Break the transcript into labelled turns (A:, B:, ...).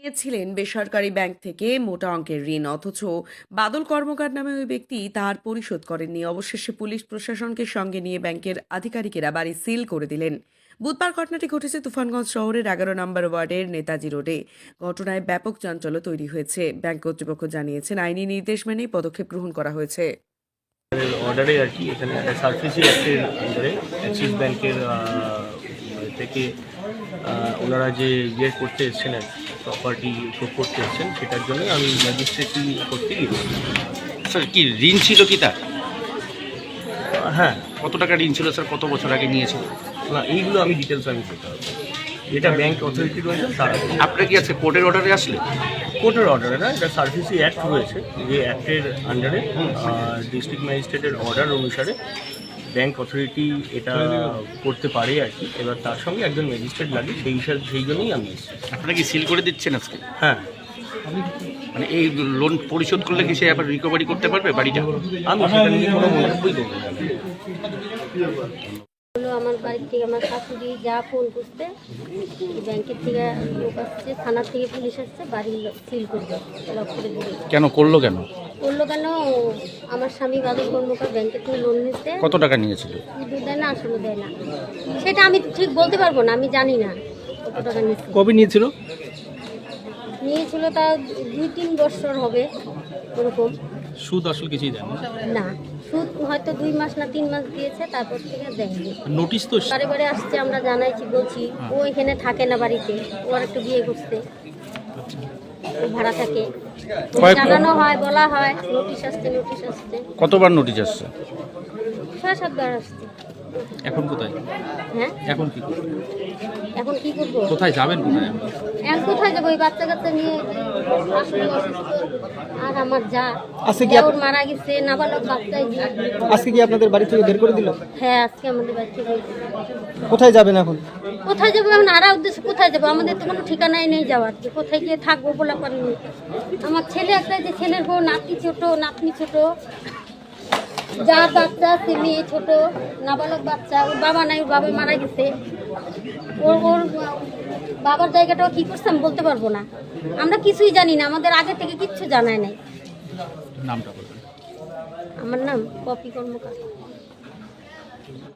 A: নিয়েছিলেন বেসরকারি ব্যাংক থেকে মোটা অঙ্কের ঋণ, অথচ বাদল কর্মকার নামে ওই ব্যক্তি তার পরিশোধ করেননি। অবশেষে পুলিশ প্রশাসনকে সঙ্গে নিয়ে ব্যাংকের আধিকারিকেরা বাড়ি সিল করে দিলেন। বুধবার ঘটনাটি ঘটেছে তুফানগঞ্জ শহরের ১১ নম্বর ওয়ার্ডের নেতাজি রোডে। ঘটনায় ব্যাপক চাঞ্চল্য তৈরি হয়েছে। ব্যাংক কর্তৃপক্ষ জানিয়েছেন আইনি নির্দেশ মেনেই পদক্ষেপ গ্রহণ করা হয়েছে।
B: অর্ডারে আর কি এখানে একটা সার্ভিসি অ্যাক্টের আন্ডারে অ্যাক্সিস ব্যাংকের থেকে ওনারা যে করতে এসেছেন আর প্রপার্টি শো করতে এসেছেন, সেটার জন্য আমি ম্যাজিস্ট্রেটই করতে গিয়েছিলাম।
C: স্যার কি ঋণ ছিল কি তার?
B: হ্যাঁ,
C: কত টাকা ঋণ ছিল স্যার? কত বছর আগে নিয়েছিল?
B: না এইগুলো আমি ডিটেলস আমি করতে হবে। এটা ব্যাংক অথরিটি রয়েছে তারা।
C: আপনারা কি আছে কোর্টের অর্ডারে আসলে?
B: কোর্টের অর্ডারে না, এটা সার্ভিসি অ্যাক্ট রয়েছে, যে অ্যাক্টের আন্ডারে ডিস্ট্রিক্ট ম্যাজিস্ট্রেটের অর্ডার অনুসারে ব্যাংক অথরিটি এটা করতে পারে আর কি। এবার তার সঙ্গে একজন ম্যাজিস্ট্রেট লাগে, সেই জন্যই আমি এসেছি।
C: আপনারা কি সিল করে দিচ্ছেন আজকে?
B: হ্যাঁ,
C: মানে এই লোন পরিশোধ করলে কি সে আবার রিকভারি করতে পারবে বাড়িটা?
B: আমি সেটা নিয়ে কোনো মন্তব্যই করবো না।
D: হলো আমার বাড়ির থেকে আমার শাশুড়ি যা ফোন করতে, ব্যাংকের থেকে লোক আসছে, থানার থেকে পুলিশ আসছে, বাড়ি সিল করবে, লক করে দিবে।
C: কেন করলো কেন?
D: করলো কেন? আমার স্বামী বাদল কর্মকার ব্যাংকের থেকে লোন নিতে
C: কত টাকা নিয়েছিল?
D: সুদও দেয় না, আসলে দেয় না। সেটা আমি ঠিক বলতে পারবো না, আমি জানি না কত টাকা নিচ্ছে।
C: কবে নিয়েছিল?
D: নিয়েছিল তা 2-3 বছর হবে ওরকম।
C: সুদ আসলে কিছুই দেন
D: না, সুদ হয়তো 2 মাস না 3 মাস দিয়েছে, তারপর থেকে দেয়নি।
C: নোটিশ তো
D: বারে বারে আসছে, আমরা জানাইছি, বলছি। ও এখানে থাকে না বাড়িতে, ও আর একটু বিয়ে করছে, ও ভাড়া থাকে। জানানো হয়, বলা হয় নোটিশ আসছে, নোটিশ আসছে।
C: কতবার নোটিশ আসছে?
D: 6-7 বার আসছে।
C: এখন কোথায়?
D: হ্যাঁ,
C: এখন কি করবেন?
D: এখন কি করবো?
C: কোথায় যাবেন? কোথায়?
D: এখন কোথায় যাবো? ওই বাচ্চা কাচ্চা নিয়ে, শাশুড়ি অসুস্থ, আর আমার যা
E: আজকে কি
D: ওর মারা গেছে, নাবালক বাচ্চাই।
E: আজকে কি আপনাদের বাড়ি থেকে বের করে দিল?
D: হ্যাঁ, আজকে আমাদের বাড়ি থেকে।
E: কোথায় যাবেন এখন?
D: কোথায় যাবো এখন? আরা উদ্দেশ্যে কোথায় যাবো? আমাদের তো কোনো ঠিকানাই নেই যাওয়ার, যে কোথায় গিয়ে থাকবো বলা পারিনি। আমার ছেলে একটা, যে ছেলের বউ, নাতি ছোট, নাতনি ছোট, যা বাচ্চা আছে, মেয়ে ছোট, নাবালক বাচ্চা। ওর বাবা নাই, ওর বাবা মারা গেছে। ওর বাবার জায়গাটাও কি করছে আমি বলতে পারবো না। আমরা কিছুই জানি না, আমাদের আগে থেকে কিচ্ছু জানায় নাই।
C: নামটা বলবেন?
D: আমার নাম পপি কর্মকার।